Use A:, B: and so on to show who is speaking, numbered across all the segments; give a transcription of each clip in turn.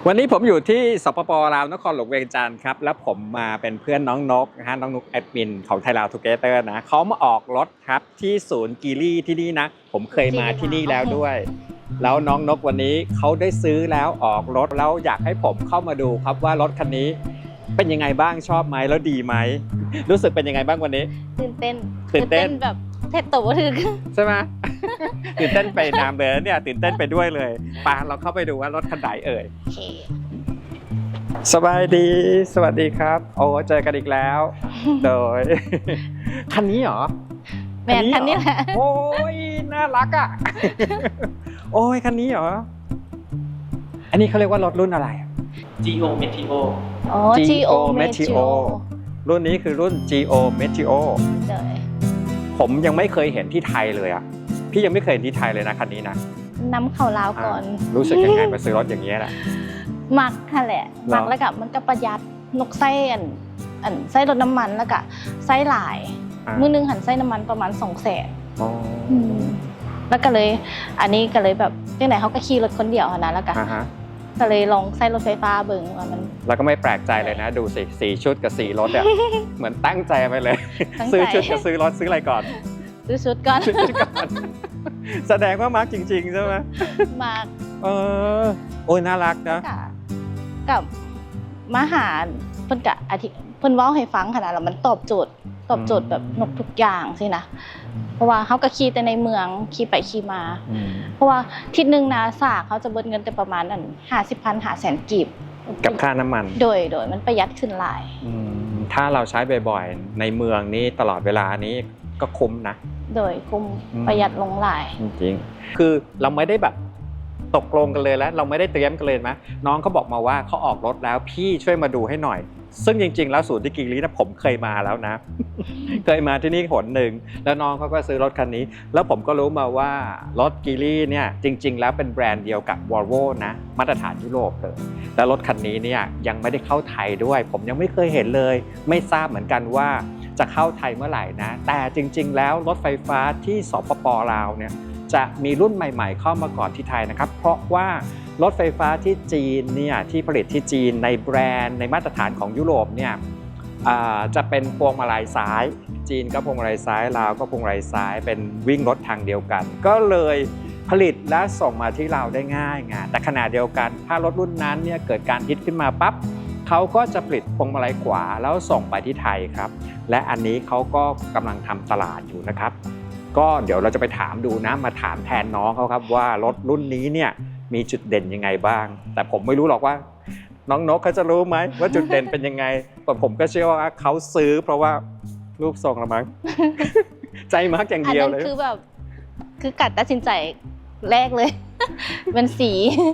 A: วันนี้ผมอยู่ที่สปป.ลาวนครหลวงเวียงจันทร์ครับแล้วผมมาเป็นเพื่อนน้องนกนะฮะน้องนกแอดมินของไทยลาวทูเกเตอร์นะเขามาออกรถครับที่ศูนย์กีรี่ที่นี่นะผมเคยมาที่นี่แล้วด้วยแล้วน้องนกวันนี้เขาได้ซื้อแล้วออกรถแล้วอยากให้ผมเข้ามาดูครับว่ารถคันนี้เป็นยังไงบ้างชอบไหมแล้วดีไหมรู้สึกเป็นยังไงบ้างวันนี้
B: ตื่นเต้นแบบเทตัวถึง
A: ใช่ไหม ตื่นเต้นไปนามเลยเนี่ยตื่นเต้นไปด้วยเลยปาเราเข้าไปดูว่ารถคันไหนเอ่ยสบายดีสวัสดีครับโอ้เจอกันอีกแล้วโดยคันนี้เหรอ
B: แมนคันนี้แหละ
A: โอ้ยน่ารักอ่ะโอ้ยคันนี้เหรออันนี้เขาเรียกว่ารถรุ่นอะไร
C: Geo Meteo
B: อ๋อ Geo
A: Meteo รุ่นนี้คือรุ่น Geo Meteo ผมยังไม่เคยเห็นที่ไทยเลยอ่ะพี่ยังไม่เคยเห็นที่ไทยเลยนะคันนี้นะ
B: น้ำเข่าลาวก่อน
A: รู้สึกยังไงมาซื้อรถอย่างนี้นะ
B: มักค่ะแหละมักแล้วก็มันก็ประหยัดนกไส้อันไส้รถน้ำมันแล้วก็ไส้หลายมื้อนึงหันไส้น้ำมันประมาณ200,000แล้วก็เลยอันนี้ก็เลยแบบจังไหนเขาก็ขี่รถคนเดียวนะแล้วก็เลยลองไส้รถไฟฟ้าเบิ่งว่ามัน
A: แล้วก็ไม่แปลกใจเลยนะดูสิ4ชุดกับ4รถเนี่ยเหมือนตั้งใจไปเลยซื้อชุดกับซื้อรถซื้ออะไรก่อน
B: ซื้อชุดก่อน
A: แสดงว่ามาร์กจริงๆใช่ไหม
B: มาร์ก
A: โอ้ยน่ารักนะ
B: กับมาหาเพิ่นกะเพิ่นเว้าให้ฟังขนาดแล้วมันตอบโจทย์แบบนกทุกอย่างสินะเพราะว่าเขาก็ขี่แต่ในเมืองขี่ไปขี่มาเพราะว่าทิศนึงนะสากเขาจะเบิดเงินแต่ประมาณ50,000 500,000 กีบ
A: กับค่าน้ำมัน
B: โดยมันประหยัดขึ้นหลาย
A: ถ้าเราใช้บ่อยๆในเมืองนี้ตลอดเวลานี้ก็คุ้มนะ
B: โดยคุ้มประหยัดลงหลาย
A: จริงคือเราไม่ได้แบบตกลงกันเลยแล้วเราไม่ได้เตรียมกันเลยไหมน้องเขาบอกมาว่าเขาออกรถแล้วพี่ช่วยมาดูให้หน่อยซึ่งจริงๆแล้วศูนย์ที่กีรี่นะผมเคยมาแล้วนะ เคยมาที่นี่หนหนึ่งแล้วน้องเขาก็ซื้อรถคันนี้แล้วผมก็รู้มาว่ารถกีรี่เนี่ยจริงๆแล้วเป็นแบรนด์เดียวกับ Volvo นะมาตรฐานยุโรปเลยแล้วรถคันนี้เนี่ยยังไม่ได้เข้าไทยด้วยผมยังไม่เคยเห็นเลยไม่ทราบเหมือนกันว่าจะเข้าไทยเมื่อไหร่นะแต่จริงๆแล้วรถไฟฟ้าที่สปป.ลาวเนี่ยจะมีรุ่นใหม่ๆเข้ามาก่อนที่ไทยนะครับเพราะว่ารถไฟฟ้าที่จีนเนี่ยที่ผลิตที่จีนในแบรนด์ในมาตรฐานของยุโรปเนี่ยจะเป็นพวงมาลัยซ้ายจีนก็พวงมาลัยซ้ายลาวก็พวงมาลัยซ้ายเป็นวิ่งรถทางเดียวกันก็เลยผลิตและส่งมาที่ลาวได้ง่ายไงแต่ขณะเดียวกันถ้ารถรุ่นนั้นเนี่ยเกิดการฮิตขึ้นมาปั๊บเขาก็จะผลิตพวงมาลัยขวาแล้วส่งไปที่ไทยครับและอันนี้เขาก็กำลังทำตลาดอยู่นะครับก็เดี๋ยวเราจะไปถามดูนะมาถามแทนน้องเขาครับว่ารถรุ่นนี้เนี่ยมีจุดเด่นยังไงบ้างแต่ผมไม่รู้หรอกว่าน้องนกเขาจะรู้ไหมว่าจุดเด่นเป็นยังไงแต่ผมก็เชื่อว่าเขาซื้อเพราะว่ารูปทรงละมั้ง ใจมากอย่างเดียวเลย
B: คือแบบคือกัดตัดสินใจแรกเลยเป็นสี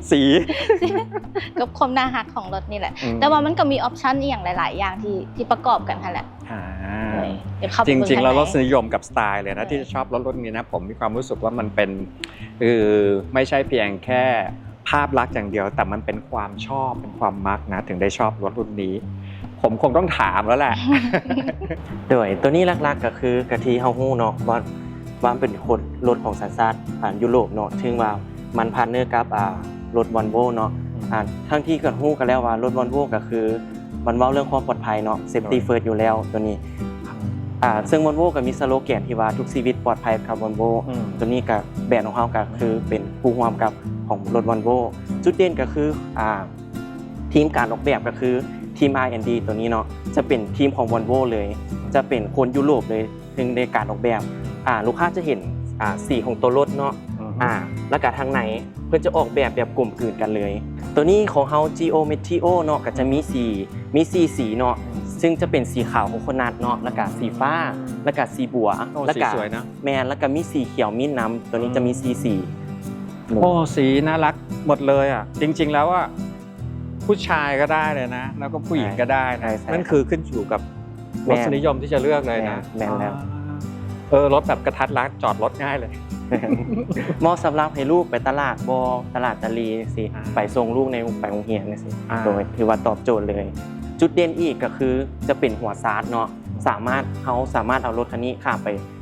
B: กับความน่ารักของรถนี่แหละแต่ว่ามันก็มีออปชั่นอย่างหลายๆอย่างที่ประกอบกันค่ะแหละ
A: จริงๆแล้วรสนิยมกับสไตล์เลยนะที่ชอบรถรุ่นนี้นะผมมีความรู้สึกว่ามันเป็นไม่ใช่เพียงแค่ภาพลักษณ์อย่างเดียวแต่มันเป็นความชอบเป็นความมักนะถึงได้ชอบรถรุ่นนี้ผมคงต้องถามแล้วแหละ
C: โดยตัวนี้ลักๆก็คือกะทิเฮาฮู้เนาะว่าเป็นคนรถของสัญชาติยุโรปเนาะถึงว่ามันพาร์ทเนอร์กับรถ Volvo เนาะทั้งที่กันฮู้กันแล้วว่ารถ Volvo ก็คือมันเว้าเรื่องความปลอดภัยเนาะ Safety First อยู่แล้วตัวนี้ซึ่ง Volvo ก็มีสโลแกนที่ว่าทุกชีวิตปลอดภัยกับ Volvo ตัวนี้ก็แบรนด์ของเฮาก็คือเป็นผู้ร่วมกับของรถ Volvo จุดเด่นก็คือทีมการออกแบบก็คือทีม R&D ตัวนี้เนาะจะเป็นทีมของ Volvo เลยจะเป็นคนยุโรปเลยถึงในการออกแบบลูกค้าจะเห็นสีของตัวรถเนาะแล้วก็ทางไหนเพื่อจะออกแบบกลมกลืนกันเลยตัวนี้ของเฮา Geo Meteo เนาะก็จะมีสีเนาะซึ่งจะเป็นสีขาวโคโคนัทเนาะแล้วก็สีฟ้าแล้วก็สีบัว
A: แล้วก็
C: แมนแล้วก็มีสีเขียวมิ้นน้ำตัวนี้จะมีสี
A: โอ้สีน่ารักหมดเลยอ่ะจริงๆแล้วอ่ะผู้ชายก็ได้เลยนะแล้วก็ผู้หญิงก็ได้นะนั่นคือขึ้นอยู่กับรสนิยมที่จะเลือกเลยนะ
C: แมนแล้ว
A: รถแบบกระทัดรัดจอดรถง่ายเลย
C: เหมาะสำหรับให้ลูกไปตลาดตลาดตะลีสิไปส่งลูกในไปโรงเรียนนี่สิโดยถือว่าตอบโจทย์เลยจุดเด่นอีกก็คือจะเป็นหัวซาร์ดเนาะเขาสามารถเอารถคันนี้ข้ามไป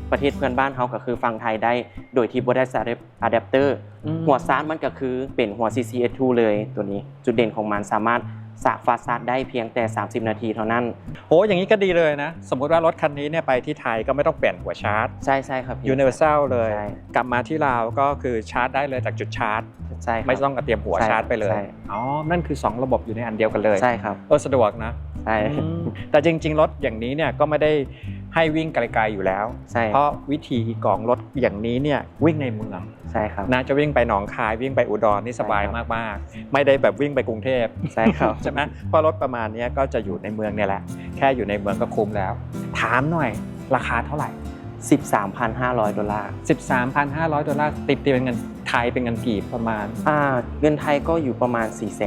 C: ประเทศเพื่อนบ้านเขาก็คือฟังไทยได้โดยที่บ่ได้ใส่อะแดปเตอร์หัวชาร์จมันก็คือเป็นหัว CCS2 เลยตัวนี้จุดเด่นของมันสามารถสากฟาสชาร์จได้เพียงแต่30นาทีเท่านั้น
A: โหอย่างนี้ก็ดีเลยนะสมมุติว่ารถคันนี้เนี่ยไปที่ไทยก็ไม่ต้องเปลี่ยนหัวชาร์จ
C: ใช่ครับ
A: Universal เลย
C: ใช่
A: กลับมาที่ลาวก็คือชาร์จได้เลยจากจุดชาร์จ
C: ใช่
A: ไม่ต้องเตรียมหัวชาร์จไปเลยอ๋อนั่นคือ2ระบบอยู่ในอันเดียวกันเลย
C: ใช่ครับ
A: สะดวกนะ
C: ใช่
A: แต่จริงๆรถอย่างนี้เนี่ยก็ไม่ได้ให้วิ่งไกลๆอยู่แล้วเพราะวิธีของรถอย่างนี้เนี่ยวิ่งในเมือง
C: ใช่ครับ
A: น่าจะวิ่งไปหนองคายวิ่งไปอุดรนี่สบายมากๆไม่ได้แบบวิ่งไปกรุงเทพ
C: ใช่ครับ
A: ใช่ไหมเพราะรถประมาณนี้ก็จะอยู่ในเมืองเนี่ยแหละแค่อยู่ในเมืองก็คุ้มแล้วถามหน่อยราคาเท่าไหร่
C: $13,500
A: $13,500ติดเป็นเงินไทยเป็นเงินกีบประมาณ
C: เงินไทยก็อยู่ประมาณ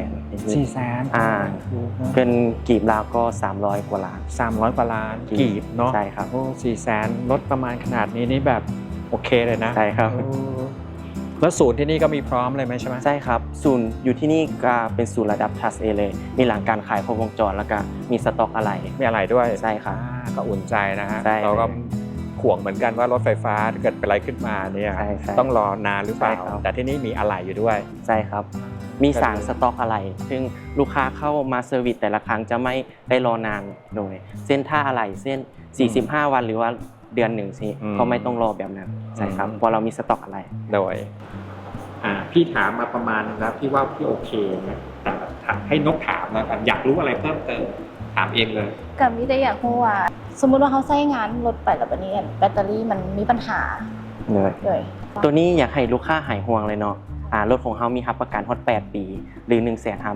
C: 400,000เป็นกีบลาวก็300 กว่าล้าน
A: 300 กว่าล้านกีบเนาะ
C: ใช่ครับ
A: โอ้400,000รถประมาณขนาดนี้นี่แบบโอเคเลยนะ
C: ใช่ครับ
A: แล้วศูนย์ที่นี่ก็มีพร้อมเลยไหมใช่ไหม
C: ใช่ครับศูนย์อยู่ที่นี่ก็เป็นศูนย์ระดับ Class A เลยมีหลังการขายครบวงจรแล้วก็มีสต็อกอะไร
A: มีอะไรด้วย
C: ใช่ครับ
A: ก็อุ่นใจนะฮะเราก็ห่วงเหมือนกันว่ารถไฟฟ้าเกิดเป็นอะไรขึ้นมาเนี่ยต้องรอนานหรือเปล่าแต่ที่นี่มีอะไรอยู่ด้วย
C: ใช่ครับมีสารสต็อกอะไรซึ่งลูกค้าเข้ามาเซอร์วิสแต่ละครั้งจะไม่ได้รอนานโดยเส้นท่าอะไรเส้น45 วันหรือว่าเดือนหนึ่งสิก็ไม่ต้องรอแบบนั้นใช่ครับเพราะเรามีสต็อกอะไร
A: โดยพี่ถามมาประมาณแล้วพี่ว่าพี่โอเคนะแต่ให้นกถามแล้วกันอยากรู้อะไรเพิ่มเติมถามเองเลย
B: กับมิได้อยากรู้ว่าสมมุติว่าเขาใช้งานรถไปแล้วบัดนี้แบตเตอรี่มันมีปัญหา
C: เลยตัวนี้อยากให้ลูกค้าหายห่วงเลยเนาะรถของเขามีรับประกันฮอต8 ปีหรือ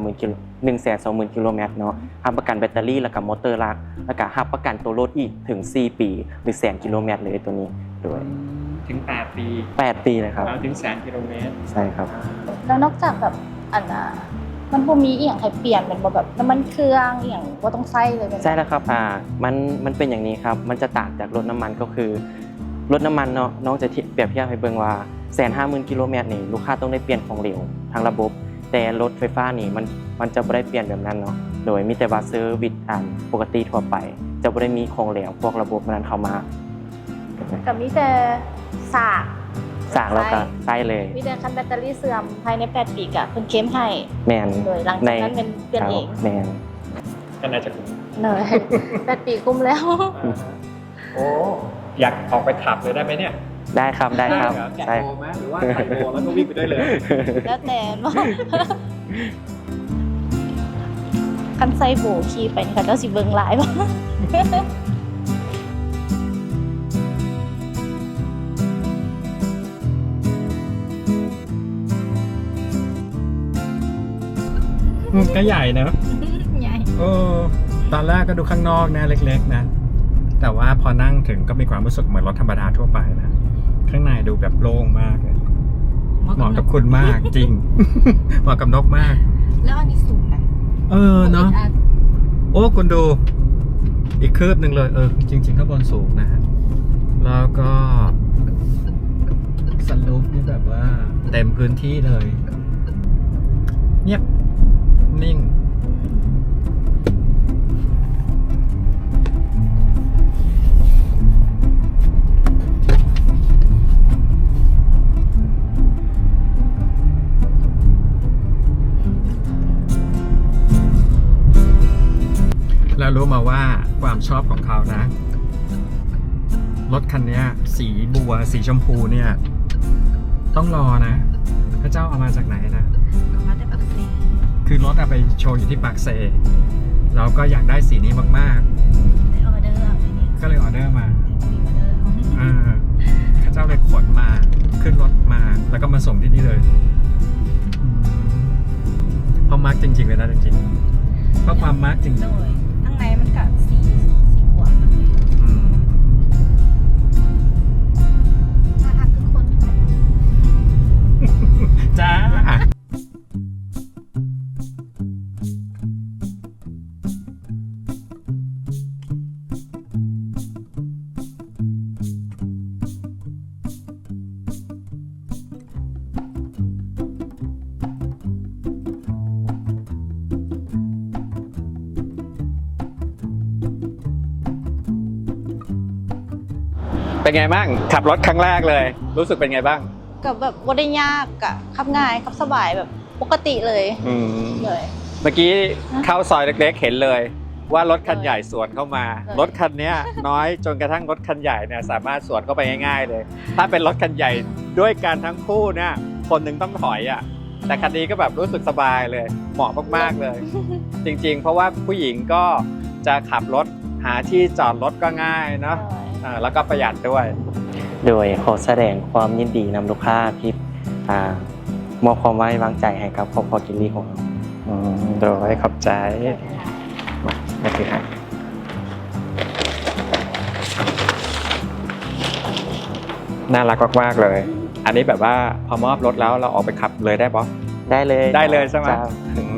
C: 120,000 กิโลเมตรเนาะรับประกันแบตเตอรี่แล้วก็มอเตอร์ลักแล้วก็รับประกันตัวรถอีกถึง4 ปีหรือ100,000 กิโลเมตรเลยตัวนี้ด้วย
A: ถึง8 ปี
C: เลยครับ
A: ถึง100,000 กิโลเมตร
C: ใช่ครับ
B: แล้วนอกจากแบบมันบ่มีอีหยังให้เปลี่ยนเป็นบ่แบบน้ำมันเครื่องอีหยังบ่ต้องใช้เลย
C: ใช่แล้วครับมันเป็นอย่างนี้ครับมันจะต่างจากรถน้ำมันก็คือรถน้ำมันเนาะน้องจะเปรียบเทียบให้เบิ่งว่า150,000 กิโลเมตรนี่ลูกค้าต้องได้เปลี่ยนของเหลวทั้งระบบแต่รถไฟฟ้านี่มันจะบ่ได้เปลี่ยนแบบนั้นเนาะโดยมีแต่ว่าเซอร์วิสปกติทั่วไปจะบ่ได้มีของเหลวพวกระบบนั้นเข้ามา
B: ก็มีแต่สาก
C: แล้วก็ใช่เลย
B: มีแต่คันแบตเตอรี่เสื่อมภายใน8 ปีก็เพิ่นเคลมให้
C: แม่น
B: โดยหลังจากนั้นเป็นเปลี่ยนเอง
C: แม่น
A: ก็น่าจะคุ้ม
B: เลย8 ปีคุ้มแล้ว
A: โอ้อยากออกไปขับเลยได้ไหมเนี่ย
C: ได้ครับแกะ
A: โบไหมหรือว่าใส่โบแล้วก็วิ่งไปได้เลย
B: แล้วแต่ว่าคันใส่โบขี่ไปนี่ก็เจ้าสิเบิ่งหลายบ่
A: ก็ใหญ่นะ
B: ใหญ่
A: ตอนแรกก็ดูข้างนอกนะเล็กๆนะแต่ว่าพอนั่งถึงก็มีความรู้สึกเหมือนรถธรรมดาทั่วไปนะข้างในดูแบบโล่งมากเลยเหมาะกับคุณมากจริงเหมาะกับนกมาก
B: แล้วอันนี้สูงนะ
A: เนาะโอ้คุณดูอีกคืบหนึ่งเลยจริงๆข้างบนสูงนะฮะแล้วก็สลูปนี่แบบว่าเต็มพื้นที่เลยเงียบนิ่งแล้วรู้มาว่าความชอบของเขานะรถคันนี้สีบัวสีชมพูเนี่ยต้องรอนะพระเจ้าเอามาจากไหนนะ
B: มาจากปากเซ
A: คือรถเอาไปโชว์อยู่ที่ปากเซเราก็อยากได้สีนี้มากๆก็เลยออเดอร์มาพระเจ้าเลยขนมาขึ้นรถมาแล้วก็มาส่งที่นี่เลยเพราะมาร์กจริงๆเลยนะจริงๆเพราะความมาร์กจริง
B: ข้างในมันกับสีบัวน่ารักทุกคน
A: จ้าเป็นไงบ้างขับรถครั้งแรกเลย รู้สึกเป็นไงบ้าง
B: กับแบบว่าได้ยากอะขับง่ายขับสบายแบบปกติเลย
A: อืม
B: เลย
A: เมื่อกี้เข้าซอยเล็กๆเห็นเลย ว่ารถคันใหญ่สวนเข้ามา
B: เลย
A: รถคันเนี้ยน้อยจนกระทั่งรถคันใหญ่เนี่ยสามารถสวนเข้าไปง่ายๆเลย ถ้าเป็นรถคันใหญ่ด้วยกันทั้งคู่เนี่ยคนหนึ่งต้องถอยอ่ะแต่คันนี้ก็แบบรู้สึกสบายเลย เหมาะมากๆเลย จริงๆ เพราะว่าผู้หญิงก็จะขับรถหาที่จอดรถก็ง่ายเนาะแล้วก็ประหยัดด้วย
C: โดยขอแสดงความยินดีนำลูกค้าที่มอบความไว้วางใจให้กับครอบครัวกิลลี่ของเรา
A: โดยขอบใจมาถือให้น่ารักมากๆเลย อันนี้แบบว่าพอมอบรถแล้วเราออกไปขับเลยได้ปะ
C: ได้เลย
A: ได้เลยใช่ไหม
C: จ้า
A: อืม